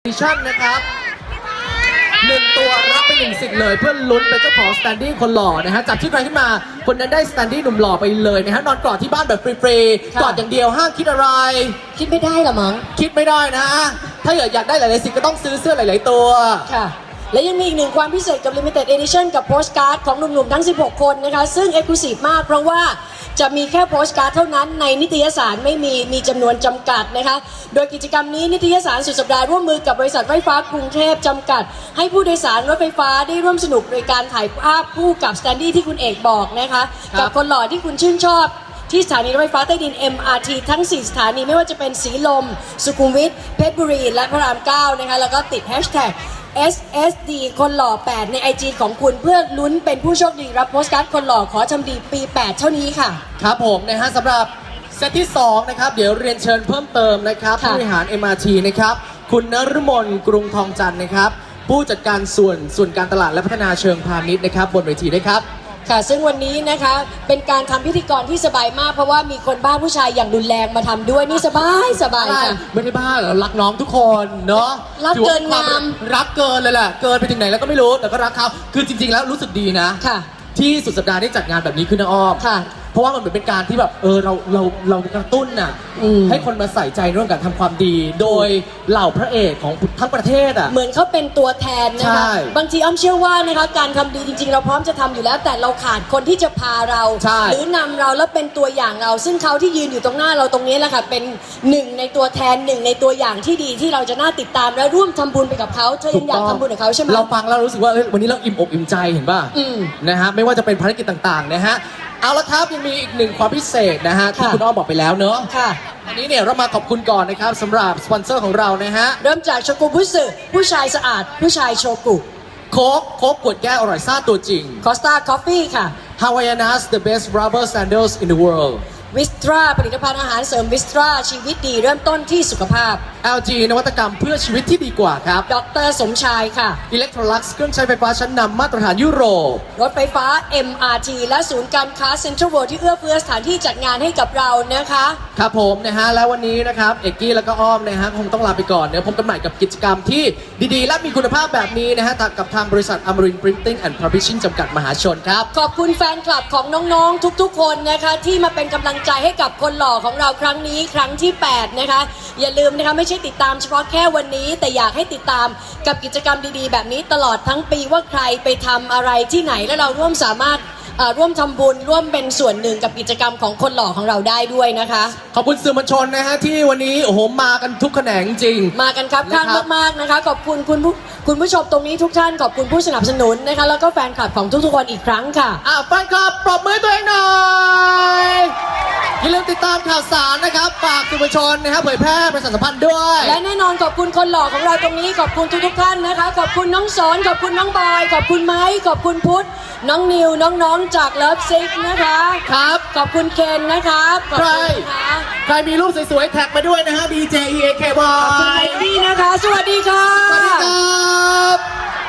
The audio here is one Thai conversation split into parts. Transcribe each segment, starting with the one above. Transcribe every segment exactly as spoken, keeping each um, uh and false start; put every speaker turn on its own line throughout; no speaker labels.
ชั่นนะครับหนึ่งตัวรับไปหนึ่งสิทธิ์เลยเพื่อลุ้นเป็นเจ้าของสแตนดี้คนหล่อนะฮะจับชื่อใครขึ้นมาคนนั้นได้สแตนดี้หนุ่มหล่อไปเลยนะฮะนอนกอดที่บ้านแบบฟรีๆกอดอย่างเดียวห้ามคิดอะไร
คิดไม่ได้หรอมั้ง
คิดไม่ได้นะถ้าอยากอยากได้หลายๆสิทธิ์ก็ต้องซื้อเสื้อหลายๆตัว
ค่ะและยังมีอีกหนึ่งความพิเศษกับ Limited Edition กับโพสการ์ดของหนุ่มๆทั้งสิบหกคนนะคะซึ่ง Exclusive มากเพราะว่าจะมีแค่โพสการ์ดเท่านั้นในนิตยสารไม่มีมีจำนวนจำกัดนะคะโดยกิจกรรมนี้นิตยสารสุดสัปดาห์ร่วมมือกับบริษัทไฟฟ้ากรุงเทพจำกัดให้ผู้โดยสารรถไฟฟ้าได้ร่วมสนุกโดยการถ่ายภาพคู่กับสแตนดี้ที่คุณเอกบอกนะคะกับคนหล่อที่คุณชื่นชอบที่สถานีรถไฟฟ้าใต้ดิน เอ็ม อาร์ ที ทั้งสี่สถานีไม่ว่าจะเป็นสีลมสุขุมวิทเพชรบุรีและพระรามเก้านะคะแล้วก็ติดแฮชแท็ก เอส เอส ดี คนหล่อแปดใน ไอ จี ของคุณเพื่อลุ้นเป็นผู้โชคดีรับโพสการ์ดคนหล่อขอทำดีปีแปดเท่านี้ค่ะ
ครับผมนะฮะสำหรับเซตที่สองนะครับเดี๋ยวเรียนเชิญเพิ่มเติมนะครับผู้บริหาร เอ็ม อาร์ ที นะครับคุณนฤมลกรุงทองจันทร์นะครับผู้จัดการส่วนส่วนการตลาดและพัฒนาเชิงพาณิชย์นะครับบนเวทีนะครับ
ค่ะซึ่งวันนี้นะคะเป็นการทำพิธีกรที่สบายมากเพราะว่ามีคนบ้าผู้ชายอย่างรุนแรงมาทำด้วยนี่สบายสบายค่ะ
ไม่ได้บ้าหรอรักน้องทุกคนเนาะ
รักเกินงาม
รักเกินเลยแหละเกินไปถึงไหนแล้วก็ไม่รู้แต่ก็รักเขาคือจริงๆแล้วรู้สึกดีนะ
ค่ะ
ที่สุดสัปดาห์ได้จัดงานแบบนี้ขึ้นนะอ้อม
ค่ะ
เพราะว่ามันเหมือนเป็นการที่แบบเออเราเราเรากระตุ้นน่ะให้คนมาใส่ใจเรื่องการทำความดีโดยเหล่าพระเอกของทั้งประเทศอ่ะ
เหมือนเขาเป็นตัวแทนนะคะบางทีอ้อมเชื่อว่านะคะการทำดีจริงๆเราพร้อมจะทำอยู่แล้วแต่เราขาดคนที่จะพาเราหรือนำเราแล้วเป็นตัวอย่างเราซึ่งเขาที่ยืนอยู่ตรงหน้าเราตรงนี้แหละค่ะเป็นหนึ่งในตัวแทนหนึ่งในตัวอย่างที่ดีที่เราจะน่าติดตามและร่วมทำบุญไปกับเขาเธอยังอยากทำบุญกับเขาใช่ไหม
เราฟังแล้วรู้สึกว่าวันนี้เราอิ่มอกอิ่มใจเห็นป่ะนะฮะไม่ว่าจะเป็นภารกิจต่างๆนะฮะเอาละครับยังมีอีกหนึ่งความพิเศษนะฮะที่คุณอ้อมบอกไปแล้วเนอะ
ค่ะ
วันนี้เนี่ยเรามาขอบคุณก่อนนะครับสำหรับสปอนเซอร์ของเรานะฮะ
เริ่มจากโชกุบุสึผู้ชายสะอาดผู้ชายโชกุ
โค้กโค้กขวดแก้วอร่อยซ่าตัวจริง
คอสตาคอฟฟี่ค่ะ
Havaianas the best rubber sandals in the world
วิสตราผลิตภัณฑ์อาหารเสริมวิสตราชีวิตดีเริ่มต้นที่สุขภาพ
แอล จี นวัตกรรมเพื่อชีวิตที่ดีกว่าครับ
ดรสมชายค่ะ
Electrolux เครื่องใช้ไฟฟ้าชั้นนำมาตรฐานยุโรป
รถไฟฟ้า เอ็ม อาร์ ที และศูนย์การค้าเซ็นทรัลเวิลด์ที่เอื้อเฟื้อสถานที่จัดงานให้กับเรานะคะ
ครับผมนะฮะแล้ววันนี้นะครับเอกกี้แล้วก็อ้อมนะฮะคงต้องลาไปก่อนเดี๋ยวพบกันใหม่กับกิจกรรมที่ดีๆและมีคุณภาพแบบนี้นะฮะกับทางบริษัทอมรินทร์ Printing and Publishing จำกัดมหาชนครับ
ขอบคุณแฟนคลับของน้องๆทุกๆคนนะคะที่มาเป็นกำลังใจให้กับคนหล่อของเราครั้งนี้ครั้งที่แปดนะคะอย่าลืมนะคะไม่ใช่ติดตามเฉพาะแค่วันนี้แต่อยากให้ติดตามกับกิจกรรมดีๆแบบนี้ตลอดทั้งปีว่าใครไปทำอะไรที่ไหนและเราร่วมสามารถร่วมทำบุญร่วมเป็นส่วนหนึ่งกับกิจกรรมของคนหล่อของเราได้ด้วยนะคะ
ขอบคุณสื่อมวลชนนะฮะที่วันนี้โอ้โหมากันทุกแขนงจริง
มากันครับข้างมากๆนะคะขอบคุณคุณผู้คุณผู้ชมตรงนี้ทุกท่านขอบคุณผู้สนับสนุนนะคะแล้วก็แฟนคลับของทุกๆคนอีกครั้งค่ะ
อ่ะแฟนคลับปรบมือตัวเองหน่อยอย่าลืมติดตามข่าวสารนะครับฝากสื่อมวลชนนะครับเผยแพร่ประชาสัมพันธ์ด้วย
และแน่นอนขอบคุณคนหล่อของเราตรงนี้ขอบคุณทุกๆท่านนะคะขอบคุณน้องสอนขอบคุณน้องบอยขอบคุณไม้ขอบคุณพุทธน้องนิวน้องๆจากเลิฟซิกนะคะ
ครับ
ขอบคุณเคนนะครับ
ใครใครมีรูปสวยๆแท็กมาด้วยนะฮะ ดี เจ อี เอ เค บอ
ยขอบคุณไอดี้นะคะสวัสดีค่ะ
สวัสดีครับ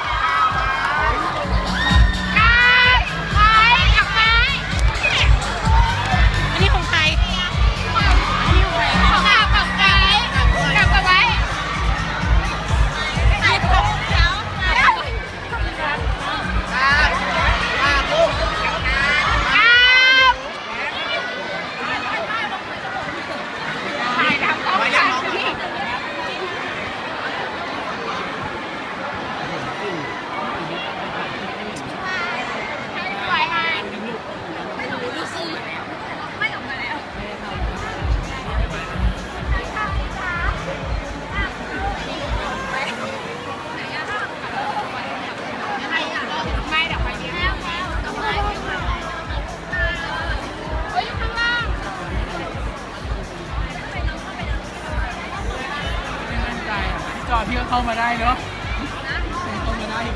จอดพี่ก็เข้ามาได้เนาะเข้ามาได้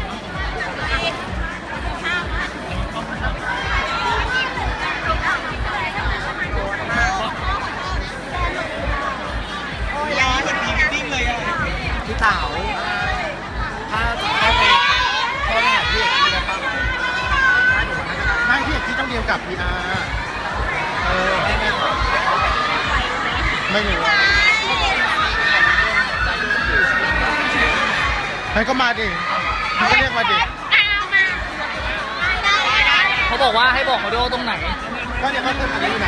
พี่เต๋าถ้าจะเข้าไปเข้าไปหาพี่เอกที่นะครับไม่พี่เอกที่ต้องเดียวกับพีอาร์เออไม่ไม่ไม่รู้ให้ก็มาดิให้ก็เรียกมาดิ
เขาบอกว่าให้บอกเขาด้วยว่าตรงไหน
ก็เนี่ยเขาเพิ่มอะไรอยู่ไหน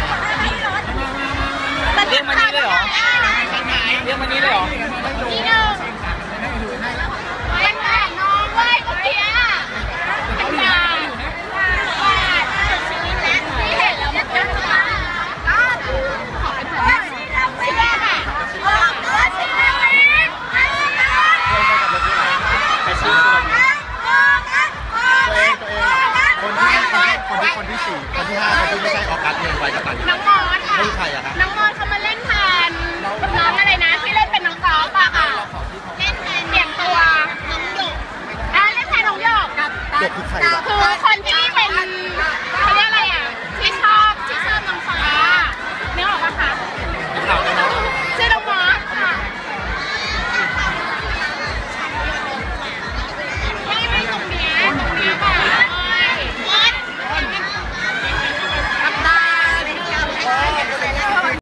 เรียกมานี่เลยเหรอเรียกมานี่เลยเหรอ
ที่หนึ่งมันแข่งน้องเว้ยเมื่อกี้อ่ะเป็นการชีวิตนะที่เห็นแล้วมันจะมาก็ขอเป็นผู้ชีวิตเราไม่ได้ค่ะบอกตัวชีวิตไปซื้อ
ตัวเองตัวเองคนที่คนที่คนที่สี่คนที่ห้าคนที่ไม่ใช่ออกัสเงินไว้กับตัน
น้องมอสค่ะ
ไม่ใครอะครับ
น้องมอสเขามาเล่นแทนน้องอะไรนะที่เล่นเป็นน้องกอล์ฟอะค่ะเล่นแทนเปลี่ยนตัวน้องหยกอ่าเล่นแทนน้องหยกกับ
เด็กคือใครวะ
คือ